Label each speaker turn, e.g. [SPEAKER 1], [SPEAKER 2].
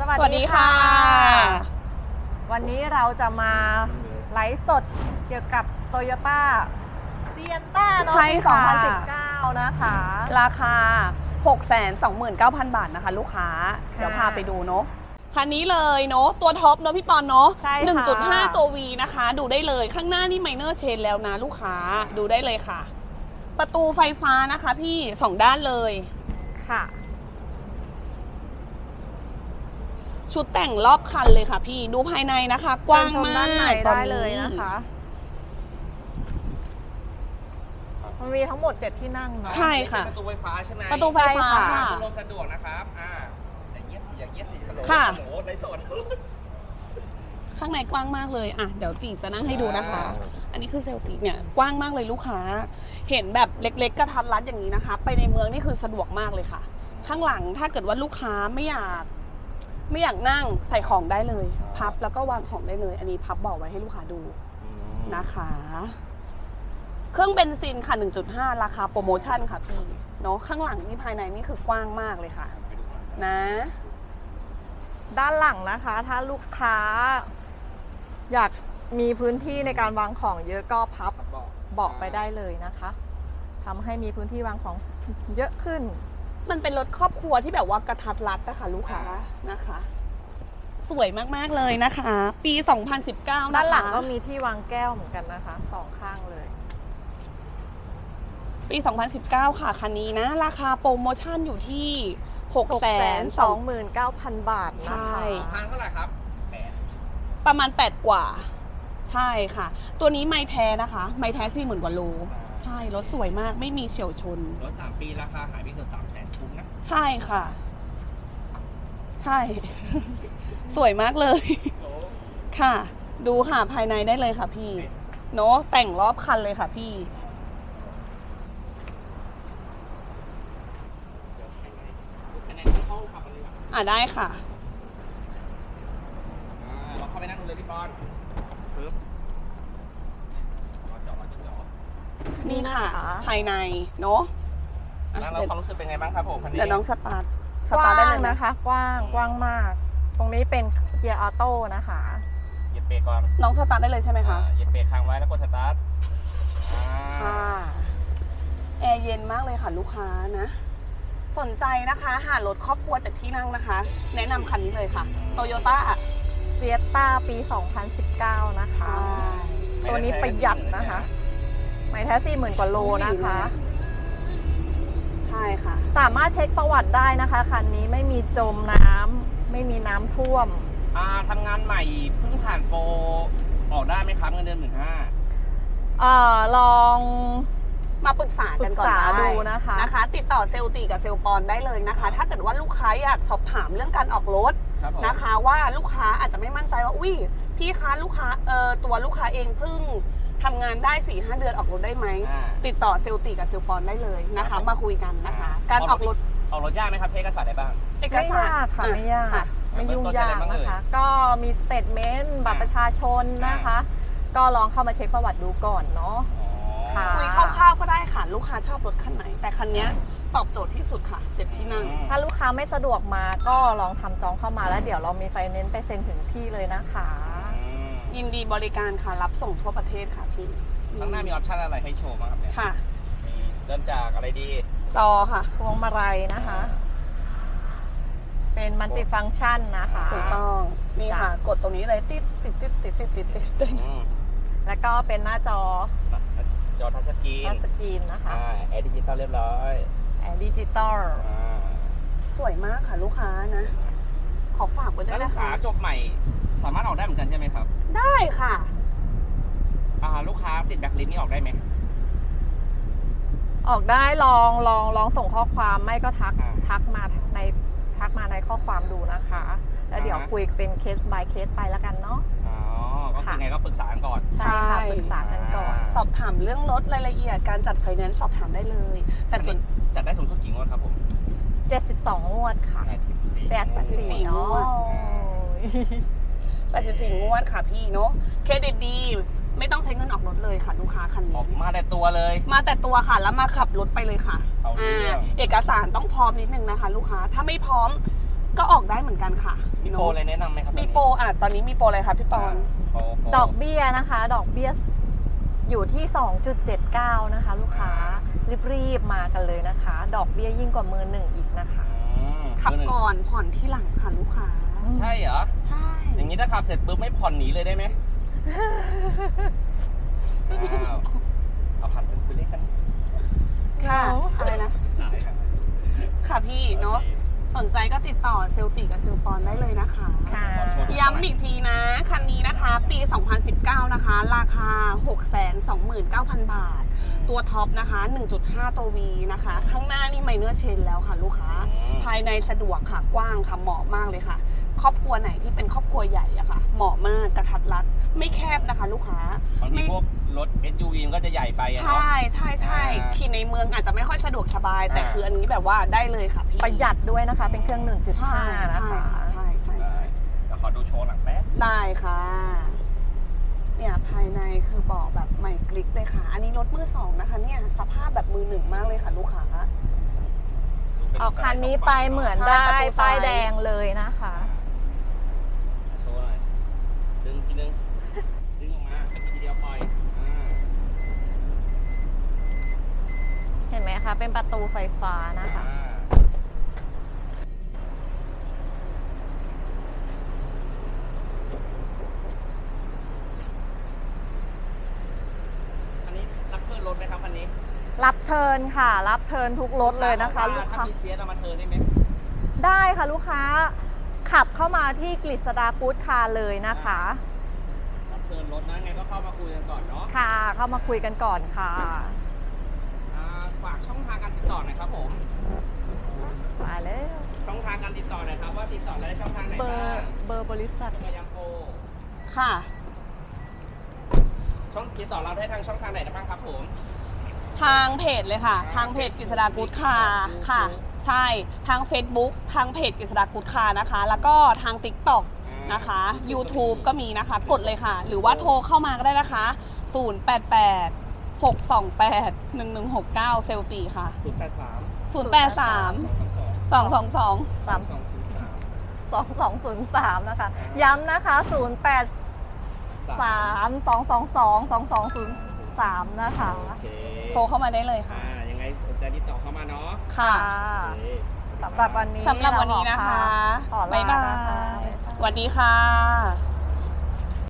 [SPEAKER 1] สวัสดีค่ะ วันนี้เราจะมาไลฟ์สดเกี่ยวกับ Toyota Sienna เนาะ
[SPEAKER 2] ใช่
[SPEAKER 1] ปี
[SPEAKER 2] ค่ะ
[SPEAKER 1] 2019 นะคะ
[SPEAKER 2] ราคา 629,000 บาทนะคะลูกค้า เดี๋ยวพาไปดูเนาะคันนี้เลยเนาะตัวท็อปเนาะพี่ปอนเนาะ
[SPEAKER 1] ใช่ค่ะ
[SPEAKER 2] 1.5 ตัว V นะคะ ดูได้เลยข้างหน้านี่ไมเนอร์เชนแล้วนะลูกค้าดูได้เลยค่ะ ประตูไฟฟ้านะคะพี่2ด้านเลย
[SPEAKER 1] ค่ะ
[SPEAKER 2] ชุดแต่งรอบคันเลยค่ะพี่ดูภายในนะคะ กว้าง
[SPEAKER 1] เชิญช
[SPEAKER 2] มาก
[SPEAKER 1] ด้านใน
[SPEAKER 2] ตอน
[SPEAKER 1] ได้
[SPEAKER 2] นี้
[SPEAKER 1] เลยนะคะ มันมีทั้งหมด 7 ที่นั่งเนาะ
[SPEAKER 2] ใช่ค่ะ
[SPEAKER 3] ประตูไฟฟ้าใช่ไหม
[SPEAKER 2] ประตูไฟฟ้า
[SPEAKER 1] ใช่ค่ะ
[SPEAKER 2] ค่ะ
[SPEAKER 3] คุณลงสะดวกนะครับอย่าเยียบสิอย่าเยียบสิฮัลโหล
[SPEAKER 2] ค่ะ
[SPEAKER 3] โอ้โหในโซน
[SPEAKER 2] ข้างในกว้างมากเลยอ่ะเดี๋ยวตีจะนั่งให้ดูนะคะ อันนี้คือเซลติเนี่ยกว้างมากเลยลูกค้า เห็นแบบเล็กๆกระทัดรัดอย่างนี้นะคะ ไปในเมืองนี่คือสะดวกมากเลยค่ะ ข้างหลังถ้าเกิดว่าลูกค้าไม่อยากนั่งใส่ของได้เลย พับแล้วก็วางของได้เลย อันนี้พับเบอกไว้ให้ลูกค้าดูนะคะ เครื่องเบนซินค่ะ 1.5 ราคาโปรโมชั่นค่ะพี่เนาะข้างหลังนี่ภายในนี่คือกว้างมากเลยค่ะ นะ
[SPEAKER 1] ด้านหลังนะคะ ถ้าลูกค้า อยากมีพื้นที่ในการวางของเยอะก็พับเบาะไปได้เลยนะคะทำให้มีพื้นที่วางของเยอะขึ้น
[SPEAKER 2] มันเป็นรถครอบครัวที่แบบว่ากระทัดรัดนะคะลูกค้านะคะ สวยมากๆเลยนะคะ ปี 2019 นะคะ
[SPEAKER 1] ด้านหลังก็มีที่วางแก้วเหมือนกันนะคะสองข้างเลย
[SPEAKER 2] ปี 2019 ค่ะคันนี้นะ ราคาโปรโมชั่นอยู่ที่
[SPEAKER 1] 629,000 บาทนะคะ
[SPEAKER 2] ใช่
[SPEAKER 3] ทางเท่าไหร่ครับ8
[SPEAKER 2] ประมาณ 8 กว่า ใช่ค่ะ ตัวนี้ไม่แท้นะคะ ไม่แท้40,000 กว่าโล ใช่ รถสวยมากไม่มีเฉียวชน
[SPEAKER 3] รถ3 ปีราคาหายไปเกือบ300,000คุ้มนะ
[SPEAKER 2] ใช่ค่ะ ใช่ สวยมากเลย ค่ะ ดูค่ะภายในได้เลยค่ะพี่เนาะแต่งรอบคันเลยค่ะพี่
[SPEAKER 3] อันไหนห้องขับกันดีกว่า
[SPEAKER 2] ได้ค่ะ
[SPEAKER 3] เราเข้าไปนั่งดูเลยพี่ปอนปึ๊บจอด
[SPEAKER 2] นี่ค่ะ ภายในเนาะอ่ะ
[SPEAKER 3] แล้วเราความรู้สึกเป็นไงบ้างครับผมคันนี้
[SPEAKER 2] เดี๋ยวน้องสตาร์ท
[SPEAKER 1] กว้า
[SPEAKER 2] ได้
[SPEAKER 1] ง
[SPEAKER 2] เลยนะ
[SPEAKER 1] นะคะ กว้างมาก ตรงนี้เป็นเกียร์ออโต้นะคะ
[SPEAKER 3] เหยียบเบรกก่อน
[SPEAKER 2] น้องสตาร์ทได้เลยใช่ไหมคะ
[SPEAKER 3] เหยียบเบรกค้างไว้แล้วกดสตาร์ท
[SPEAKER 2] ค่ะ แอร์เย็นมากเลยค่ะลูกค้านะ สนใจนะคะหารถครอบครัวจากที่นั่งนะคะ แนะนำคันนี้เลยค่ะ โตโยต้า
[SPEAKER 1] เซียต้าปี 2019 นะคะ ตัวนี้ประหยัดนะคะ ไม่แท้ 40,000 กว่าโลนะคะ
[SPEAKER 2] ใช่ค่ะ
[SPEAKER 1] สามารถเช็คประวัติได้นะคะ คันนี้ไม่มีจมน้ำไม่มีน้ำท่วม
[SPEAKER 3] ทำงานใหม่เพิ่งผ่านโปรออกได้ไหมครับเงินเดือน15,000
[SPEAKER 1] ลอง
[SPEAKER 2] มาปรึกษากันก่อน
[SPEAKER 1] ปรึกษา
[SPEAKER 2] ได้
[SPEAKER 1] ดูนะคะ
[SPEAKER 2] ติดต่อเซลล์ตีกับเซลล์ปอนได้เลยนะคะ ถ้าเกิดว่าลูกค้าอยากสอบถามเรื่องการออกรถ
[SPEAKER 3] ครับผม
[SPEAKER 2] นะคะ ว่าลูกค้าอาจจะไม่มั่นใจว่าอุ้ยพี่คะลูกค้าตัวลูกค้าเองเพิ่งทำงานได้ 4-5 เดือนออกรถได้ไหม ติดต่อเซลล์ตีกับเซลล์ปอนได้เลยนะคะ มาคุยกันนะคะ การออกรถ
[SPEAKER 3] ออกรถยากไหมครับใช้เอกสารอะไรบ้าง
[SPEAKER 2] เอก
[SPEAKER 1] ไม่
[SPEAKER 2] สาร
[SPEAKER 1] ยากค่ะ ไม่ยาก
[SPEAKER 2] ค่ะ
[SPEAKER 1] ไม่ยุ่งยากนะคะ ก็มีสเตทเมนต์บัตรประชาชนนะคะ ก็ลองเข้ามาเช็คประวัติดูก่อนเนาะ ค่ะ
[SPEAKER 2] คุยคร่าวๆก็ได้ค่ะ ลูกค้าชอบรถคันไหน แต่คันเนี้ยตอบโจทย์ที่สุดค่ะ7ที่นั่ง
[SPEAKER 1] ถ้าลูกค้าไม่สะดวกมาก็ลองทำจองเข้ามาแล้วเดี๋ยวเรามีไฟแนนซ์ไปเซ็นถึงที่เลยนะคะ
[SPEAKER 2] ยินดีบริการค่ะ รับส่งทั่วประเทศค่ะพี่
[SPEAKER 3] ข้างหน้ามีออปชั่นอะไรให้โชว์บ้างครับเนี่ย
[SPEAKER 2] ค่ะ
[SPEAKER 3] มีเริ่มจากอะไรดี
[SPEAKER 2] จอค่ะ
[SPEAKER 1] พวงมาลัยนะคะ เป็นมัลติฟังก์ชันนะคะ
[SPEAKER 2] ถูกต้อง นี่ค่ะ กดตรงนี้เลยติด
[SPEAKER 1] แล้วก็เป็นหน้าจอ
[SPEAKER 3] จอทัชสกรีน
[SPEAKER 1] ทัชสกรีนนะคะ
[SPEAKER 3] แอร์ดิจิตอลเรียบร้อย
[SPEAKER 1] แอร์ดิจิตอล
[SPEAKER 2] สวยมากค่ะลูกค้านะ ขอฝากไว้ด้
[SPEAKER 3] แล้ว วย ลู
[SPEAKER 2] นะ
[SPEAKER 3] กค้า
[SPEAKER 2] คะ
[SPEAKER 3] จบใหม่สามารถออกได้เหมือนกันใช่ไหมครับ
[SPEAKER 2] ได้ค่ะ
[SPEAKER 3] ลูกค้าติดแบ็คลิสต์นี่ออกได้ไหม
[SPEAKER 1] ออกได้ลองส่งข้อความไม่ก็ทักมาในข้อความดูนะคะ แล้วเดี๋ยวคุยเป็นเคส by เคสไปแล้วกันเนาะ
[SPEAKER 3] ก็คือไงก็ปรึกษากันก่อน
[SPEAKER 1] ใช่ค่ะปรึกษากันก่อน
[SPEAKER 2] สอบถามเรื่องรถรายละเอียดการจัดไฟแนนซ์สอบถามได้เลย แต่ส่วน
[SPEAKER 3] จัดได้สูงสุดกี่งวดครับผม
[SPEAKER 1] 72 งวดค่ะ 84 เนาะ
[SPEAKER 2] 84 งวดค่ะพี่เนาะเครดิตดี ไม่ต้องใช้เงินออกรถเลยค่ะลูกค้าคัน
[SPEAKER 3] อ
[SPEAKER 2] นี้
[SPEAKER 3] อกมาแต่ตัวเลย
[SPEAKER 2] มาแต่ตัวค่ะแล้วมาขับรถไปเลยค่ะ
[SPEAKER 3] เอาเรื่อง
[SPEAKER 2] เอกสารต้องพร้อมนิดนึงนะคะ ลูกค้าถ้าไม่พร้อมก็ออกได้เหมือนกันค่ะ
[SPEAKER 3] มีโปรอะไรแนะนำไหมครับ
[SPEAKER 2] มีโปรตอนนี้มีโปรอะไรคะพี่ปอน
[SPEAKER 3] โปร
[SPEAKER 1] ดอกเบี้ยนะคะ ดอกเบี้ยอยู่ที่ 2.79 นะคะ ลูกค้ารีบๆมากันเลยนะคะ ดอกเบี้ยยิ่งกว่ามือหนึ่งอีกนะคะ
[SPEAKER 2] ขับก่อนผ่อนที่หลังค่ะลูกค้า
[SPEAKER 3] ใช่เหรอ
[SPEAKER 2] ใช่
[SPEAKER 3] อย่างนี้ถ้าขับเสร็จปุ๊บไม่ผ่อนหนีเลยได้ไหมอ้าวเอาผ่านเป็นคุยเล่นกัน
[SPEAKER 2] ค่ะ
[SPEAKER 1] เนอะ
[SPEAKER 2] อะไรนะ ค่ะพี่เนาะสนใจก็ติดต่อเซลติกับเซลปอนได้เลยนะคะ
[SPEAKER 1] ค่ะ
[SPEAKER 2] ย้ำอีกทีนะ คันนี้นะคะ ปี 2019 นะคะ ราคา 629,000 บาท ตัวท็อปนะคะ 1.5 ตัว V นะคะ ข้างหน้านี่ไมเนอร์เชนแล้วค่ะลูกค้า ภายในสะดวกค่ะ กว้างค่ะ เหมาะมากเลยค่ะ ครอบครัวไหนที่เป็นครอบครัวใหญ่อะค่ะ เหมาะมากกระทัดรัด ไม่แคบนะคะ ลูกค้า
[SPEAKER 3] บางทีพวกรถ SUV มันก็จะใหญ่ไปอะเนาะ
[SPEAKER 2] ใช่ใช่ใช่ขี่ในเมืองอาจจะไม่ค่อยสะดวกสบาย แต่คืออันนี้แบบว่าได้เลยค่ะพี่
[SPEAKER 1] ประหยัดด้วยนะคะ เป็นเครื่อง
[SPEAKER 2] ใช่
[SPEAKER 1] 1.5 นะ
[SPEAKER 2] ใช่
[SPEAKER 1] คะ
[SPEAKER 2] ค่ะใช่ใช่ใช่
[SPEAKER 3] เดี๋ยวขอดูโชว์หลังแป๊บ
[SPEAKER 2] ได้ค่ะ เนี่ยภายในคือเบาะแบบใหม่กริกเลยค่ะ อันนี้รถมือสองนะคะเนี่ยสภาพแบบมือหนึ่งมากเลยค่ะลูกค้า
[SPEAKER 1] ออกคันนี้ไปเหมือน
[SPEAKER 2] ใช่
[SPEAKER 1] ได้
[SPEAKER 2] ประตูซ้าย
[SPEAKER 1] ป้ายแดงเลยนะคะ
[SPEAKER 3] โชว์หน่อยดึงทีนึง ดึงออกมา ทีเดียวปล่อย
[SPEAKER 1] เห็นไหมคะ เป็นประตูไฟฟ้านะคะ
[SPEAKER 3] อันนี้รับเทิร์นรถไหมครับคันนี้
[SPEAKER 1] รับเทิร์นค่ะ รับเทิร์นทุกรถเลยนะคะ ลูก
[SPEAKER 3] ถ้า
[SPEAKER 1] ค้า
[SPEAKER 3] มีเซียสเอามาเทิร์นได้ไหม
[SPEAKER 1] ได้ค่ะลูกค้า ขับเข้ามาที่กฤษดากู๊ดคาร์เลยนะคะ
[SPEAKER 3] รับเทิร์นรถนะไงก็เข้ามาคุยกันก่อนเนาะ
[SPEAKER 1] ค่ะ เข้ามาคุยกันก่อนค่ะ
[SPEAKER 3] ฝากช่องทางการติดต่อหน่อยครับผม
[SPEAKER 1] ไปแล้ว
[SPEAKER 3] ช่องทางการติดต่อหน่อยครับว่าติดต่อได้ช่องทางไหน
[SPEAKER 1] เบอ
[SPEAKER 3] บ้าง
[SPEAKER 1] ร์เบอร์บริษัท
[SPEAKER 3] จะมายังโปร
[SPEAKER 2] ค่ะ
[SPEAKER 3] ช่องติดต่อเราได้ทางช่องทางไหนได้บ้างครับผม
[SPEAKER 2] ทางเพจเลยค่ะ ทางเพจกฤษดากู๊ดคาร์ค่ะ ใช่ ทาง Facebook ทางเพจกฤษดากู๊ดคาร์นะคะ แล้วก็ทาง TikTok นะคะ YouTube ก็มีนะคะ กดเลยค่ะ หรือว่าโทรเข้ามาก็ได้นะคะ 088 628 1169 เซลตีค่ะ
[SPEAKER 3] 083
[SPEAKER 2] 083 222
[SPEAKER 1] 3203 นะคะ ย้ำนะคะ 083-222-2203 นะคะ
[SPEAKER 3] โอเค
[SPEAKER 2] โทรเข้ามาได้เลยค่ะ
[SPEAKER 3] ยังไงสนใจติดต่อเข้ามาเนาะ
[SPEAKER 2] ค่ะ
[SPEAKER 3] โอเค
[SPEAKER 1] สำหรับวันนี้
[SPEAKER 2] สำหรับวันนี้นะคะ
[SPEAKER 1] ขอลา
[SPEAKER 2] บ๊ายบา
[SPEAKER 1] นะคะ
[SPEAKER 2] ยสวัสดีค่ะ